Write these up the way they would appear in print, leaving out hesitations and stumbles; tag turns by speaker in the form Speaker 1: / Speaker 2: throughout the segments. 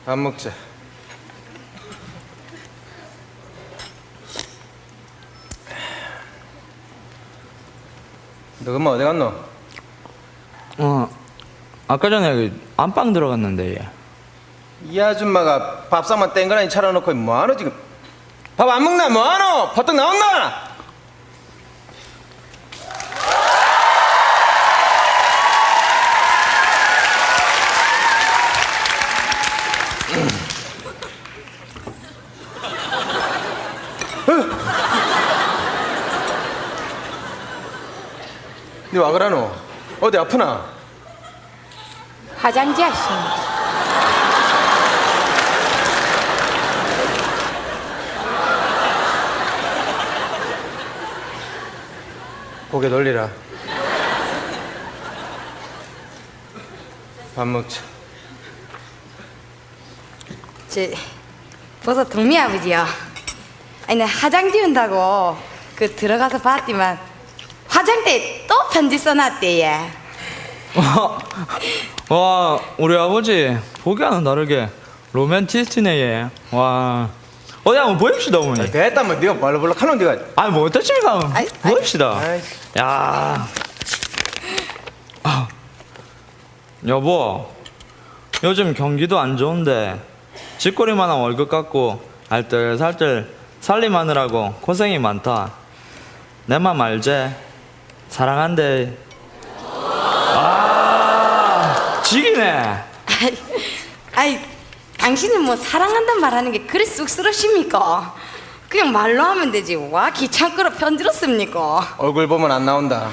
Speaker 1: 밥 먹자. 너 엄마 어디 갔노?
Speaker 2: 아까 전에 그 안방 들어갔는데 얘.
Speaker 1: 이 아줌마가 밥상만 땡그라니 차려놓고 뭐하노 지금? 밥 안 먹나 뭐하노? 버떡 나왔나? 니 와 그러노? 어디 아프나?
Speaker 3: 화장지 하십니다.
Speaker 1: 고개 돌리라. 밥 먹자.
Speaker 3: 벌써 동미 아버지요. 아니, 나 화장 지운다고 그 들어가서 봤지만 화장대에 또 편지 써놨대, 얘.
Speaker 2: 와, 우리 아버지 보기와는 다르게 로맨티스트네 얘. 와, 어디 한번 보입시다 어머니.
Speaker 1: 됐다 뭐 네가 말로 하노 네가.
Speaker 2: 아니 뭐 어떠십니까?
Speaker 3: 아이,
Speaker 2: 보입시다.
Speaker 1: 아이씨.
Speaker 2: 야, 여보, 요즘 경기도 안 좋은데 집거리만한 월급 갖고 알뜰살뜰 살림하느라고 고생이 많다. 내 맘 알제? 사랑한대. 아, 지기네.
Speaker 3: 아이, 당신은 뭐 사랑한단 말하는 게 그리 쑥스러십니까? 그냥 말로 하면 되지. 와, 귀찮고로 편지로 씁니까?
Speaker 1: 얼굴 보면 안 나온다.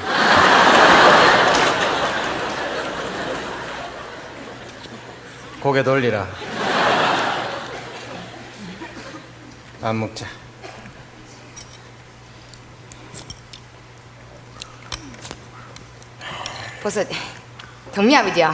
Speaker 1: 고개 돌리라. 밥 먹자.
Speaker 3: 벌써 동미 아버지요.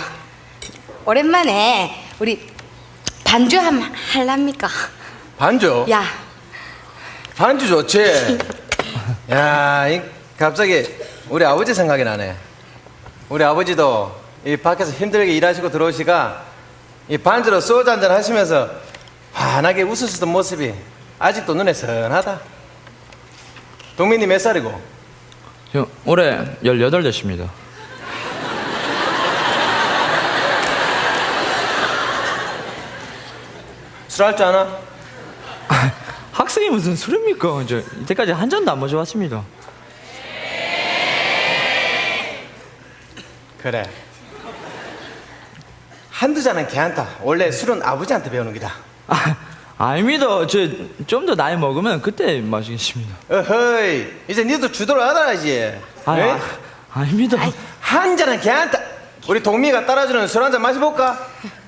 Speaker 3: 오랜만에 우리 반주 한번 할랍니까?
Speaker 1: 반주?
Speaker 3: 야,
Speaker 1: 반주 좋지. 야, 갑자기 우리 아버지 생각이 나네. 우리 아버지도 이 밖에서 힘들게 일하시고 들어오시가 이 반주로 소주 한잔 하시면서 환하게 웃으시던 모습이 아직도 눈에 선하다. 동민이 몇 살이고?
Speaker 2: 저 올해 18 됐습니다.
Speaker 1: 술 할 줄 아나?
Speaker 2: 학생이 무슨 술입니까? 저 이때까지 한 잔도 안 마셔봤습니다.
Speaker 1: 그래. 한두 잔은 걔한테. 원래 술은 아버지한테 배우는 기다.
Speaker 2: 아닙니다. 저 좀 더 나이 먹으면 그때 마시겠습니다.
Speaker 1: 어허이, 이제 니도 주도를 알아야지. 에?
Speaker 2: 아닙니다.
Speaker 1: 한 잔은 걔한테. 우리 동미가 따라주는 술 한 잔 마셔볼까?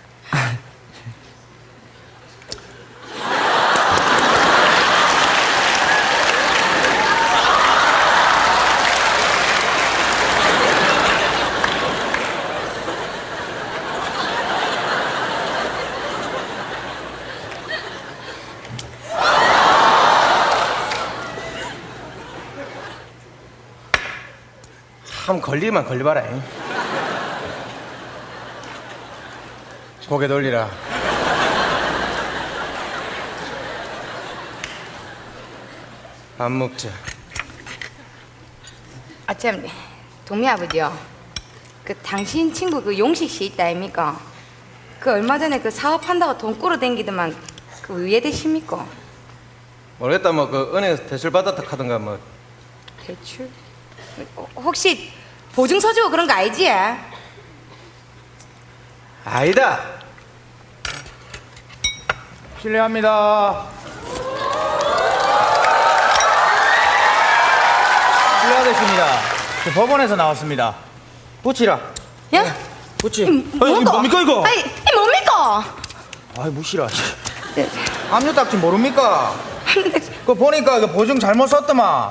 Speaker 1: 참 걸리기만 걸려봐라. 잉. 고개 돌리라. 밥 먹자.
Speaker 3: 아, 참, 동미 아버지요. 그 당신 친구 그 용식 씨 있다 아닙니까? 그 얼마 전에 그 사업한다고 돈 꾸러 댕기더만 그 위에 되십니까?
Speaker 1: 모르겠다. 뭐 그 은행에서 대출 받았다 하던가 뭐.
Speaker 3: 대출? 혹시 보증서 주고 그런 거 알지?
Speaker 1: 아니다.
Speaker 4: 실례합니다. 실례하겠습니다. 저 법원에서 나왔습니다. 붙이라.
Speaker 3: 야?
Speaker 4: 붙이.
Speaker 2: 이거 뭡니까, 이거?
Speaker 3: 아니, 이 뭡니까?
Speaker 4: 아이 무시라.
Speaker 3: 네.
Speaker 4: 압류 딱지 모릅니까? 그 보니까 그 보증 잘못 썼더만.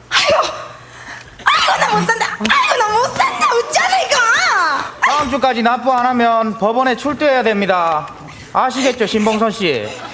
Speaker 3: 아이고, 나 못 산다. 아이고, 나 못 산다. 어쩌나 이거?
Speaker 4: 다음 주까지 납부 안 하면 법원에 출두해야 됩니다. 아시겠죠, 신봉선 씨?